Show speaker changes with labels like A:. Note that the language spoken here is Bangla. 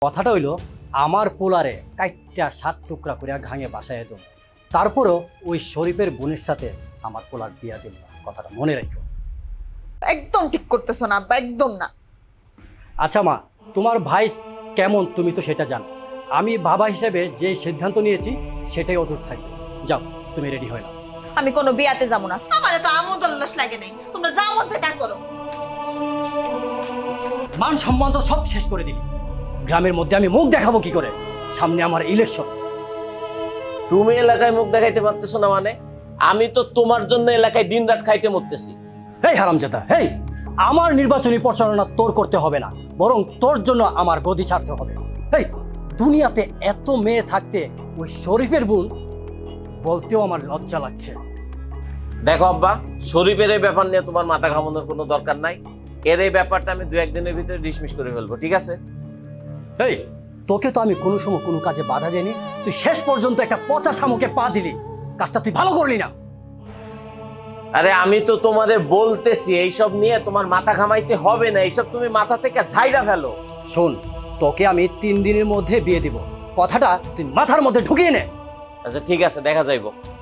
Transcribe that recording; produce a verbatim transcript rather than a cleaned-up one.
A: কথাটা হইল আমার পোলারে কাইটটা সাত টুকরা করে ঘাঙে বাসায় দেব, তারপরও ওই শরীফের বোনের সাথে আমার পোলার বিয়া দিল না। কথাটা মনে রাখো।
B: একদম ঠিক করতেছো না আব্বা, একদম না।
A: আচ্ছা মা, তোমার ভাই কেমন তুমি তো সেটা জানো। আমি বাবা হিসেবে যে সিদ্ধান্ত নিয়েছি সেটাই অটুট থাকবে। যাও, তুমি রেডি হয়ে নাও।
B: আমি কোনো বিয়াতে যাবো না, আমার তো আমোদ উল্লাস লাগে নাই। তোমরা যা মন চায় তা করো।
A: মান সম্মান তো সব শেষ করে দিবি। গ্রামের মধ্যে আমি মুখ দেখাবো কি করে? সামনে আমার ইলেকশন।
C: তুমি এলাকায় মুখ দেখাইতে পারতেছো না মানে? আমি তো তোমার জন্য এলাকায় দিন রাত খাইতে মরতেছি।
A: হেই হারামজাদা, হেই, আমার নির্বাচনী প্রচারণা তোর করতে হবে না, বরং তোর জন্য আমার গদি ছাড়তে হবে। হেই, দুনিয়াতে এত মেয়ে থাকতে ওই শরীফের বোন বলতেও আমার লজ্জা লাগছে।
C: দেখো আব্বা, শরীফের এই ব্যাপার নিয়ে তোমার মাথা ঘামানোর কোনো দরকার নাই। এর এই ব্যাপারটা আমি দু একদিনের ভিতরে ডিসমিস করে ফেলবো, ঠিক আছে?
A: হেই, তোকে তো আমি কোনো সময় কোনো কাজে বাধা দেইনি, তুই শেষ পর্যন্ত একটা পচা শামুকে পা দিলি। কাজটা তুই ভালো করলি না।
C: আরে আমি তো তোমারে বলতেছি এইসব নিয়ে তোমার মাথা ঘামাইতে হবে না, এইসব তুমি মাথা থেকে ঝাইরা ফেলো।
A: শোন, তোকে আমি তিন দিনের মধ্যে বিয়ে দিব, কথাটা তুই মাথার মধ্যে ঢুকিয়ে নে।
C: আচ্ছা ঠিক আছে, দেখা যাইবো।